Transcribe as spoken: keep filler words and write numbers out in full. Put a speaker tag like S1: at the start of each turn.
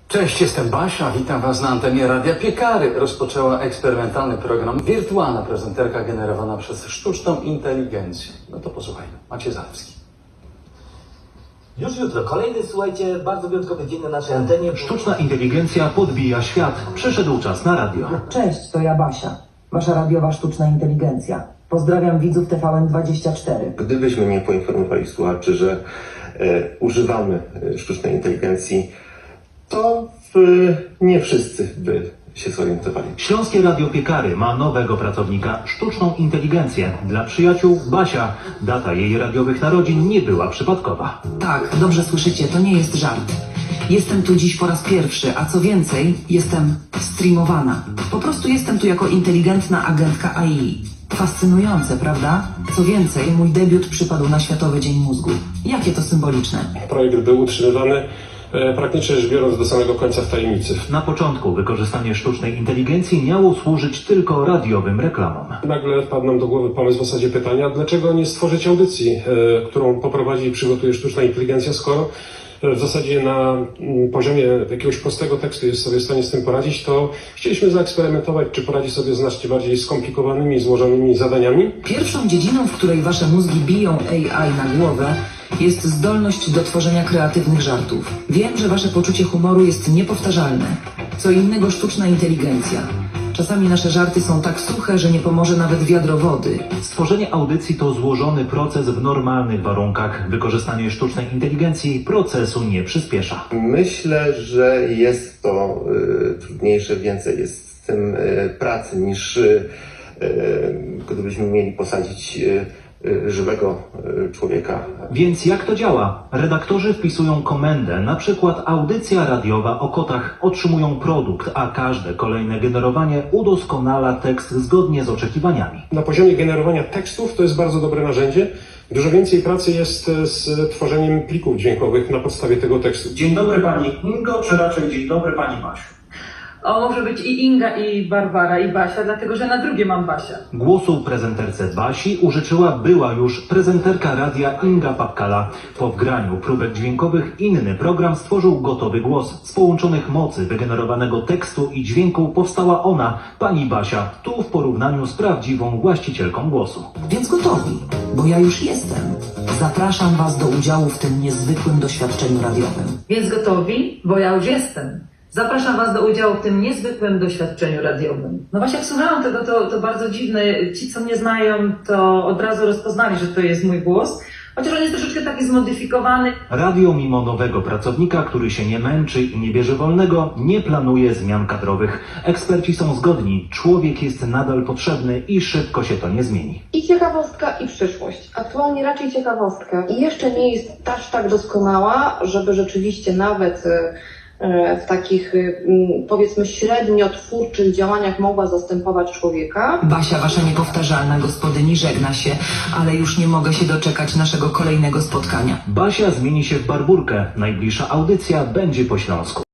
S1: Cześć, jestem Basia, witam Was na antenie Radia Piekary. Rozpoczęła eksperymentalny program Wirtualna prezenterka generowana przez sztuczną inteligencję. No to posłuchajmy. Maciej Zalewski.
S2: Już jutro kolejny, słuchajcie, bardzo wyjątkowy dzień na naszej antenie.
S3: Sztuczna inteligencja podbija świat. Przyszedł czas na radio.
S4: Cześć, to ja Basia, wasza radiowa sztuczna inteligencja. Pozdrawiam widzów T V N dwadzieścia cztery.
S5: Gdybyśmy nie poinformowali słuchaczy, że e, używamy e, sztucznej inteligencji, to e, nie wszyscy by się zorientowali.
S3: Śląskie Radio Piekary ma nowego pracownika, sztuczną inteligencję. Dla przyjaciół Basia. Data jej radiowych narodzin nie była przypadkowa.
S4: Tak, dobrze słyszycie, to nie jest żart. Jestem tu dziś po raz pierwszy, a co więcej, jestem streamowana. Po prostu jestem tu jako inteligentna agentka A I. Fascynujące, prawda? Co więcej, mój debiut przypadł na Światowy Dzień Mózgu. Jakie to symboliczne.
S6: Projekt był utrzymywany e, praktycznie rzecz biorąc do samego końca w tajemnicy.
S3: Na początku wykorzystanie sztucznej inteligencji miało służyć tylko radiowym reklamom.
S6: Nagle wpadł nam do głowy pomysł w zasadzie pytania, dlaczego nie stworzyć audycji, e, którą poprowadzi i przygotuje sztuczna inteligencja, skoro w zasadzie na mm, poziomie jakiegoś prostego tekstu jest sobie w stanie z tym poradzić, to chcieliśmy zaeksperymentować, czy poradzi sobie z znacznie bardziej skomplikowanymi, złożonymi zadaniami.
S4: Pierwszą dziedziną, w której wasze mózgi biją A I na głowę, jest zdolność do tworzenia kreatywnych żartów. Wiem, że wasze poczucie humoru jest niepowtarzalne. Co innego sztuczna inteligencja. Czasami nasze żarty są tak suche, że nie pomoże nawet wiadro wody.
S3: Stworzenie audycji to złożony proces w normalnych warunkach. Wykorzystanie sztucznej inteligencji procesu nie przyspiesza.
S5: Myślę, że jest to e, trudniejsze, więcej jest z tym e, pracy niż e, gdybyśmy mieli posadzić e, żywego e, człowieka.
S3: Więc jak to działa? Redaktorzy wpisują komendę, na przykład audycja radiowa o kotach, otrzymują produkt, a każde kolejne generowanie udoskonala tekst zgodnie z oczekiwaniami.
S6: Na poziomie generowania tekstów to jest bardzo dobre narzędzie. Dużo więcej pracy jest z tworzeniem plików dźwiękowych na podstawie tego tekstu.
S7: Dzień dobry Pani Ingo, czy raczej dzień dobry Pani Basiu?
S8: O, może być i Inga, i Barbara, i Basia, dlatego że na drugie mam Basia.
S3: Głosu prezenterce Basi użyczyła była już prezenterka radia Inga Papkala. Po wgraniu próbek dźwiękowych inny program stworzył gotowy głos. Z połączonych mocy wygenerowanego tekstu i dźwięku powstała ona, pani Basia, tu w porównaniu z prawdziwą właścicielką głosu.
S4: Więc gotowi, bo ja już jestem. Zapraszam was do udziału w tym niezwykłym doświadczeniu radiowym.
S8: Więc gotowi? Bo ja już jestem. Zapraszam Was do udziału w tym niezwykłym doświadczeniu radiowym. No właśnie jak słuchałam tego, to, to bardzo dziwne. Ci, co mnie znają, to od razu rozpoznali, że to jest mój głos. Chociaż on jest troszeczkę taki zmodyfikowany.
S3: Radio mimo nowego pracownika, który się nie męczy i nie bierze wolnego, nie planuje zmian kadrowych. Eksperci są zgodni, człowiek jest nadal potrzebny i szybko się to nie zmieni.
S9: I ciekawostka, i przyszłość. Aktualnie raczej ciekawostka. I jeszcze nie jest aż tak doskonała, żeby rzeczywiście nawet w takich, powiedzmy, średnio twórczych działaniach mogła zastępować człowieka.
S4: Basia, wasza niepowtarzalna gospodyni, żegna się, ale już nie mogę się doczekać naszego kolejnego spotkania.
S3: Basia zmieni się w Barburkę. Najbliższa audycja będzie po śląsku.